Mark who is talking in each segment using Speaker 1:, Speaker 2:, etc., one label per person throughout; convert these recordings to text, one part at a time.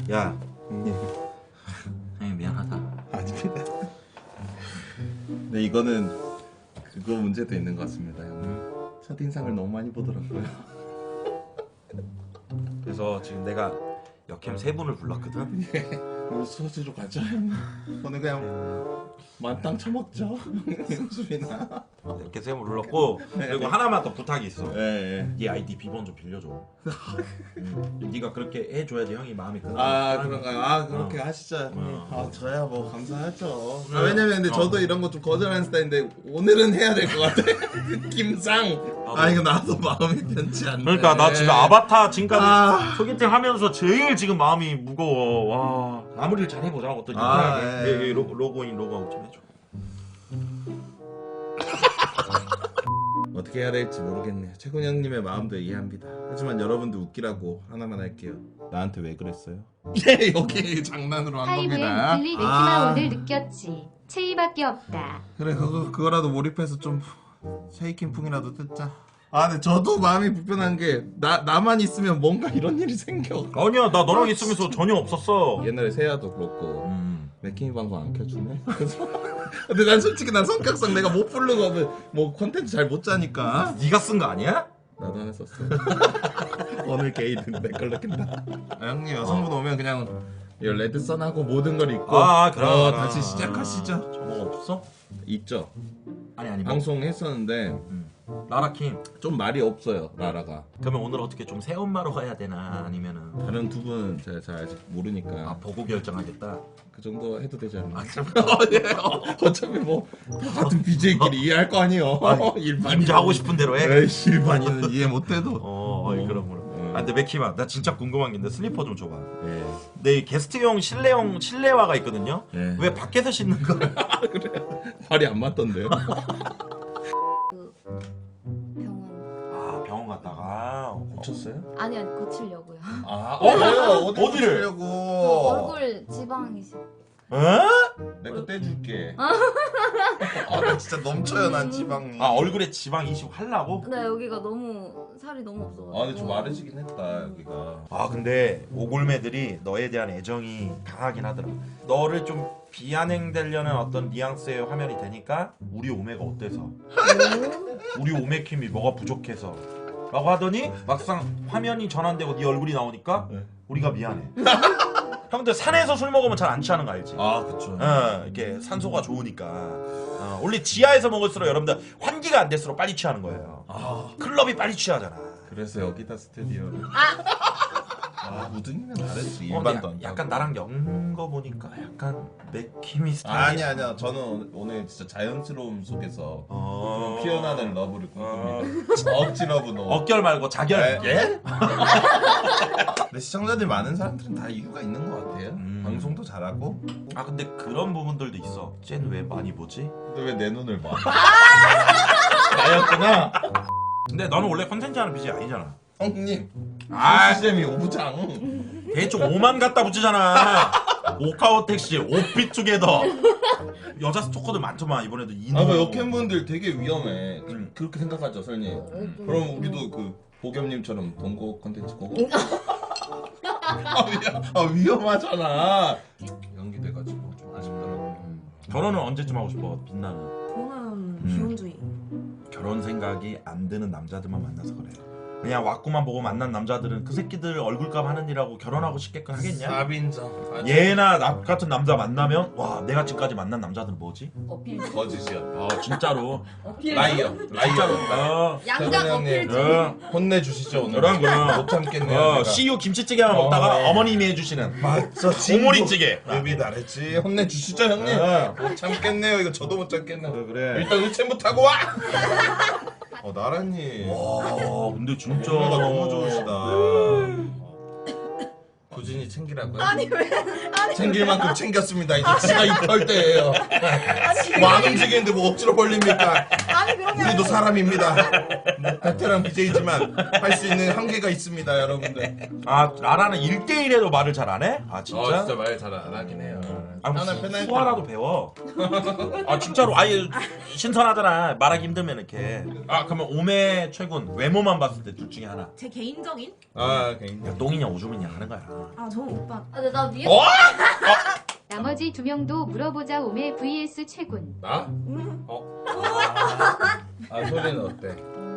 Speaker 1: 야, 형님 미안하다.
Speaker 2: 아닙니다. 네, 이거는 그거 문제도 있는 것 같습니다, 형님. 첫인상을 너무 많이 보더라고요.
Speaker 1: 그래서 지금 내가 역캠 3분을 불렀거든.
Speaker 2: 우리 소주로 가자, 형님. 오늘 그냥 만땅 쳐먹죠, 수빈아.
Speaker 1: 이렇게 3분 불렀고 그리고 하나만 더 부탁이 있어.
Speaker 2: 예.
Speaker 1: 네 아이디 비번 좀 빌려줘. 네가 그렇게 해줘야지 형이 마음이 끄는.
Speaker 2: 아, 그런가요? 아, 그렇게 하시죠, 형님. 아, 저야 뭐 감사하죠. 아, 왜냐면 근데 저도 이런 거 좀 거절하는 스타일인데 오늘은 해야 될 것 같아. 느낌상. 아, 이거 나도 마음이 편치 않네.
Speaker 1: 그러니까 나 지금 아바타 지금까지
Speaker 2: 아.
Speaker 1: 소개팅 하면서 제일 지금 마음이 무거워. 와, 마무리를 잘 해보자고 또
Speaker 2: 아,
Speaker 1: 유쾌하게.
Speaker 2: 예.
Speaker 1: 로그인 로그아웃 좀 해줘.
Speaker 2: 어떻게 해야 될지 모르겠네요. 최군 형님의 마음도 이해합니다. 하지만 여러분들 웃기라고 하나만 할게요. 나한테 왜 그랬어요? 예, 여기 장난으로 한
Speaker 3: 하이브엔
Speaker 2: 겁니다.
Speaker 3: 빌리 네키마 오늘 느꼈지. 체이밖에 없다.
Speaker 2: 그래, 그거라도 몰입해서 좀 쉐이킹풍이라도 뜯자. 아, 근데 저도 마음이 불편한 게 나만 있으면 뭔가 이런 일이 생겨.
Speaker 1: 아니야, 나 너랑 있으면서 전혀 없었어.
Speaker 2: 옛날에 세아도 그렇고 맥킹이 방송 안 켜주네. 근데 난 솔직히 난 성격상 내가 못 부르고 뭐 콘텐츠 잘 못 짜니까.
Speaker 1: 네가 쓴 거 아니야?
Speaker 2: 나도 하나 썼어. 오늘 게이든 내 걸로 낀다. 아, 형님 여성분 오면 그냥 이 레드선하고 모든 걸 입고
Speaker 1: 그럼.
Speaker 2: 다시 시작하시죠.
Speaker 1: 저거 없어?
Speaker 2: 있죠.
Speaker 1: 아니
Speaker 2: 방송 했었는데
Speaker 1: 라라킴.
Speaker 2: 좀 말이 없어요, 라라가.
Speaker 1: 그러면 오늘 어떻게 좀 새엄마로 가야 되나 아니면은
Speaker 2: 다른 두 분은 제가 잘 아직 모르니까
Speaker 1: 보고 결정하겠다.
Speaker 2: 그 정도 해도 되지 않나?
Speaker 1: 그럼
Speaker 2: 어차피 뭐 같은 BJ끼리 이해할 거 아니에요. 일반인
Speaker 1: 남자 하고 싶은 대로 해.
Speaker 2: 에이, 일반인은 이해 못해도.
Speaker 1: 그럼. 근데 맥키마, 나 진짜 궁금한 게 있는데 슬리퍼 좀 줘봐.
Speaker 2: 예.
Speaker 1: 내 게스트용 실내화가 있거든요.
Speaker 2: 예.
Speaker 1: 왜 밖에서 신는 거야?
Speaker 2: 그래. 발이 안 맞던데요.
Speaker 3: 병원.
Speaker 1: 병원 갔다가
Speaker 2: 고쳤어요?
Speaker 3: 아니 고치려고요.
Speaker 2: 왜요?
Speaker 1: 어디를?
Speaker 2: 고치려고?
Speaker 3: 얼굴 지방이
Speaker 2: 내가 떼줄게. 나 진짜 넘쳐요, 난 지방이.
Speaker 1: 얼굴에 지방 이식 하려고?
Speaker 3: 네 여기가 너무 살이 너무 없어가지고.
Speaker 2: 근데 좀 마르시긴 했다, 여기가.
Speaker 1: 근데 오골매들이 너에 대한 애정이 강하긴 하더라. 너를 좀 비아냥되려는 어떤 뉘앙스의 화면이 되니까 우리 오메가 어때서? 우리 오메킴이 뭐가 부족해서? 라고 하더니 막상 화면이 전환되고 네 얼굴이 나오니까
Speaker 2: 네.
Speaker 1: 우리가 미안해. 형들 산에서 술 먹으면 잘 안 취하는 거 알지?
Speaker 2: 그쵸.
Speaker 1: 이렇게 산소가 좋으니까. 원래 지하에서 먹을수록 여러분들 환기가 안 될수록 빨리 취하는 거예요. 클럽이 빨리 취하잖아.
Speaker 2: 그래서 여기다 스튜디오를. 우등이면 다르지.
Speaker 1: 근데
Speaker 2: 일반도 안
Speaker 1: 약간 나랑 엮는 거 보니까 약간 맥힘이 스타일.
Speaker 2: 아니야. 저는 오늘 진짜 자연스러움 속에서 좀 피어나는 러브를 꿈꿉니다. 억지 러브 너.
Speaker 1: 억결 말고 자결.
Speaker 2: 예? 근데 시청자들 많은 사람들은 다 이유가 있는 것 같아요. 방송도 잘하고.
Speaker 1: 근데 그런 부분들도 있어. 쟤는 왜 많이 보지?
Speaker 2: 근데 왜 내 눈을 봐? 나였구나.
Speaker 1: 근데 너는 원래 컨텐츠 하는 BJ 아니잖아.
Speaker 2: 형님.
Speaker 1: 아,
Speaker 2: 시스템이 오부장.
Speaker 1: 대충 5만 갖다 붙이잖아. 오카오 택시, 오피 투게더. 여자 스토커들 많더만 이번에도 이노.
Speaker 2: 그 역캠분들 되게 위험해. 그렇게 생각하죠, 설님. 그럼 우리도 그 보겸님처럼 동거 컨텐츠 보고. 위험하잖아. 연기돼가지고 좀 아쉽더라고.
Speaker 1: 결혼은 언제쯤 하고 싶어? 빛나는.
Speaker 4: 저는 비혼주의.
Speaker 1: 결혼 생각이 안 드는 남자들만 만나서 그래. 그냥 왁구만 보고 만난 남자들은 그 새끼들 얼굴값 하느니라고 결혼하고 싶게끔 하겠냐?
Speaker 2: 사빈정.
Speaker 1: 얘나 나 같은 남자 만나면 와 내가 지금까지 만난 남자들은 뭐지?
Speaker 4: 어필.
Speaker 2: 거짓이야.
Speaker 1: 진짜로.
Speaker 4: 어필.
Speaker 2: 라이어.
Speaker 1: 진짜로.
Speaker 4: 양장 어필 중.
Speaker 2: 혼내주시죠 오늘.
Speaker 1: 그럼.
Speaker 2: 못 참겠네요.
Speaker 1: CU 김치찌개만 먹다가
Speaker 2: 네.
Speaker 1: 어머님이 해주시는
Speaker 2: 맞죠.
Speaker 1: 오모리찌개.
Speaker 2: 급이 다르지. 혼내주시죠 형님. 못 참겠네요. 이거 저도 못 참겠네요.
Speaker 1: 그래.
Speaker 2: 일단 의체부터 하고 와. 나라님.
Speaker 1: 와 근데 진짜
Speaker 2: 오늘가 너무 좋으시다. 꾸준히 챙기라고요?
Speaker 4: 아니 왜? 아니
Speaker 2: 챙길 만큼 챙겼습니다. 이제 지가 입할 때예요. 뭐 안 움직이는데 뭐 억지로 벌립니까?
Speaker 4: 아니 그런 게
Speaker 2: 우리도
Speaker 4: 아니라
Speaker 2: 사람입니다. 베테랑 BJ지만 할 수 있는 한계가 있습니다, 여러분들.
Speaker 1: 라라는 1대1에도 말을 잘 안 해? 진짜?
Speaker 2: 말 잘 안 하긴 해요.
Speaker 1: 아,
Speaker 2: 하나 페널티.
Speaker 1: 수화라도 배워. 아 진짜로 아예 신선하잖아. 말하기 힘들면 이렇게. 아 그러면 오메 최군 외모만 봤을 때 둘 중에 하나.
Speaker 4: 제 개인적인?
Speaker 2: 아 개인.
Speaker 1: 야, 똥이냐 오줌이냐 하는 거야.
Speaker 4: 아 저는 오빠.
Speaker 3: 아, 근데 나 위에
Speaker 2: 어?
Speaker 3: 나머지 두 명도 물어보자 오메 vs 최군.
Speaker 2: 나? 아 소리는 어때?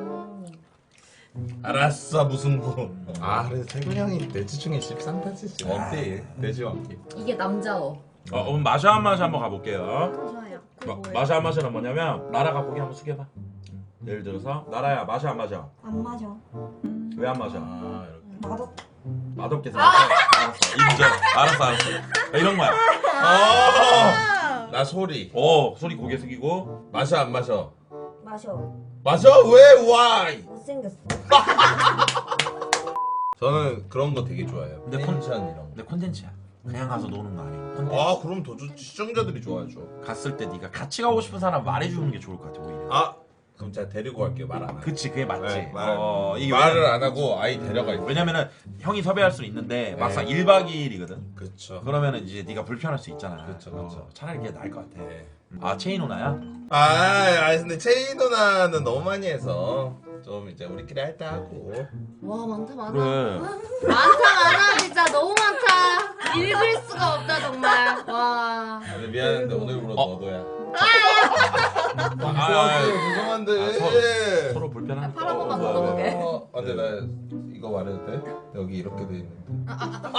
Speaker 2: 알았어 무승부. 아 그래서 태균 형이 내지 중에 13타치지 원필 내지 원필.
Speaker 3: 이게 남자어.
Speaker 1: 그럼 마샤 한 마샤 한번 가볼게요.
Speaker 4: 좋아요. 그게 뭐예요?
Speaker 1: 마샤 한 마샤는 뭐냐면 나라가 고개 한번 숙여봐. 예를 들어서 나라야 마샤 안 마셔.
Speaker 4: 안 마셔.
Speaker 1: 왜 안 마셔?
Speaker 2: 아 이렇게.
Speaker 4: 맛없.
Speaker 1: 맛없게 생겼어. 알았어. 인정. 알았어. 이런 거야.
Speaker 2: 나 소리.
Speaker 1: 소리 고개 숙이고.
Speaker 2: 마셔 안 마셔?
Speaker 4: 마셔.
Speaker 2: 마셔 왜 why?
Speaker 4: 못생겼어.
Speaker 2: 저는 그런 거 되게 좋아해요.
Speaker 1: 근데
Speaker 2: 텐션 이런 거.
Speaker 1: 근데 콘텐츠야. 그냥 가서 노는 거 아니고. 콘텐츠.
Speaker 2: 아 그럼 더 좋지. 시청자들이 좋아하죠.
Speaker 1: 갔을 때 네가 같이 가고 싶은 사람 말해주는 게 좋을 것 같아 오히려.
Speaker 2: 아 그럼 제가 데리고 갈게요. 말 안 하고.
Speaker 1: 그치 그게 맞지.
Speaker 2: 네,
Speaker 1: 이게
Speaker 2: 말을 안 하고 아이 데려갈게요.
Speaker 1: 왜냐면은 형이 섭외할 수 있는데 막상
Speaker 2: 네.
Speaker 1: 1박 2일이거든.
Speaker 2: 그쵸.
Speaker 1: 그러면은 이제 네가 불편할 수 있잖아.
Speaker 2: 그쵸, 그쵸.
Speaker 1: 차라리 그게 나을 것 같아.
Speaker 2: 네.
Speaker 1: 아 체인 오나야?
Speaker 2: 근데 체인 누나는 너무 많이 해서 좀 이제 우리끼리 할 때 하고.
Speaker 3: 와 많다 많아.
Speaker 1: 그래.
Speaker 3: 많아 진짜 너무 많다. 읽을 수가 없다 정말. 와.
Speaker 2: 근데 미안한데 오늘부로 너도야.
Speaker 1: 아,
Speaker 2: 죄송한데.
Speaker 1: 서로 불편한.
Speaker 3: 팔 한 번만 걷어보게.
Speaker 2: 근데 나 이거 말해도 돼? 여기 이렇게 돼 있는데.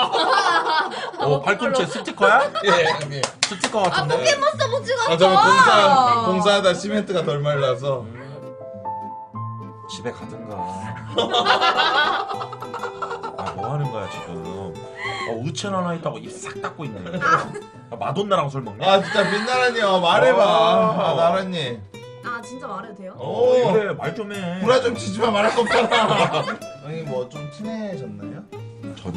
Speaker 1: 팔꿈치에 스티커야?
Speaker 2: 예.
Speaker 1: 스티커 같은데.
Speaker 3: 포켓몬스터 못 찍었어.
Speaker 2: 저는 공사하다 시멘트가 덜 말라서.
Speaker 1: 집에 가든가. 뭐 하는 거야 지금? 우천 하나 있다고 입 싹 닫고 있네. 마돈나랑 술 먹냐?
Speaker 2: 아 진짜 빛나라니요 말해봐. 나라님.
Speaker 4: 아 진짜 말해도 돼요?
Speaker 1: 그래 말 좀 해.
Speaker 2: 구라 좀 치지마 말할 거 없잖아. 형이 뭐 좀 친해졌나요?
Speaker 1: 전혀.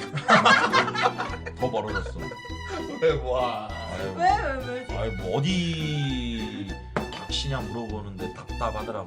Speaker 1: 더 멀어졌어.
Speaker 2: 왜 와?
Speaker 4: 왜?
Speaker 1: 아니 뭐 어디 닥치냐 물어보는데 답답하더라고.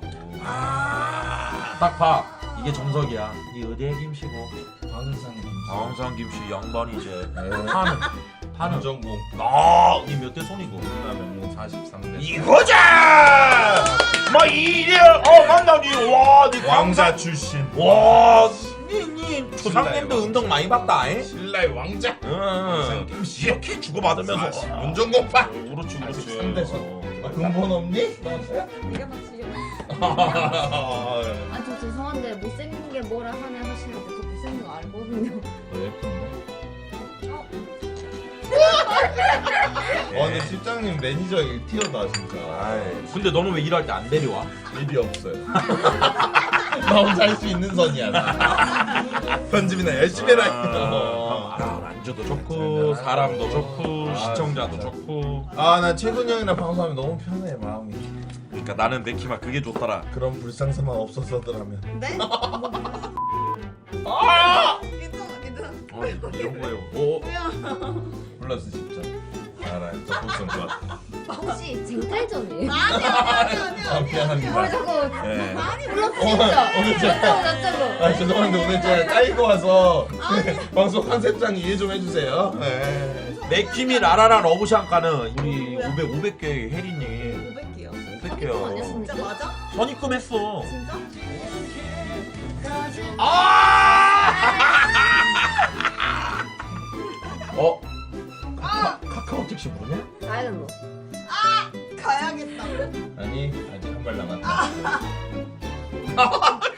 Speaker 1: 딱 봐. 이게 정석이야. 이 어디에 김씨고. 광산 김씨 양반이 이제 파는
Speaker 2: 전공.
Speaker 1: 이몇 대 손이고.
Speaker 2: 그다음에 43대.
Speaker 1: 이거자. 뭐 이래 만나니 와네
Speaker 2: 왕자 출신.
Speaker 1: 니 조상님도 운동 많이 봤다.
Speaker 2: 신라의 왕자.
Speaker 1: 응. 이렇게 주고받으면서
Speaker 2: 문전공파.
Speaker 1: 그렇지.
Speaker 2: 43대. 근본 없니?
Speaker 4: 네가 맞히려.
Speaker 3: 아 저 죄송한데 못생긴 게 뭐라 하네 하시는데 저 못생긴 거 알거든요.
Speaker 2: 근데 실장님 매니저 티어다 진짜.
Speaker 1: 근데 너는 왜 일할 때 안 데려와?
Speaker 2: 일이 없어요. 나 혼자 할 수 있는 선이야. 나. 편집이나 열심히 해라.
Speaker 1: 안주도 좋고 사람도 좋고 시청자도 좋고.
Speaker 2: 나 최근 형이랑 방송하면 너무 편해 마음이.
Speaker 1: 그러니까 나는 내키마 그게 좋더라.
Speaker 2: 그런 불상사만 없었더라면.
Speaker 4: 네? 괜찮아.
Speaker 1: 이런 거예요.
Speaker 2: 플러스 10점. 알아, 저 복선 좋았다.
Speaker 3: 혹시 쟁탈전이에요?
Speaker 2: 미안합니다.
Speaker 3: 뭘 자꾸
Speaker 2: 네.
Speaker 3: 많이 불렀어 진짜.
Speaker 2: 오늘 제가
Speaker 3: 어쩌고
Speaker 2: 죄송한데 오늘 제가 까이고 와서 방송 컨셉상 이해 좀 해주세요. 네.
Speaker 1: 내키미 라라라 러브샹카는 우리 500개 혜리님
Speaker 4: 500개요.
Speaker 1: 500개요.
Speaker 4: 진짜 맞아?
Speaker 1: 선입금했어.
Speaker 4: 진짜?
Speaker 1: 카카오 택시 부르냐?
Speaker 3: 다이얼로.
Speaker 4: 가야겠다.
Speaker 2: 아니 아직 한 발 남았다.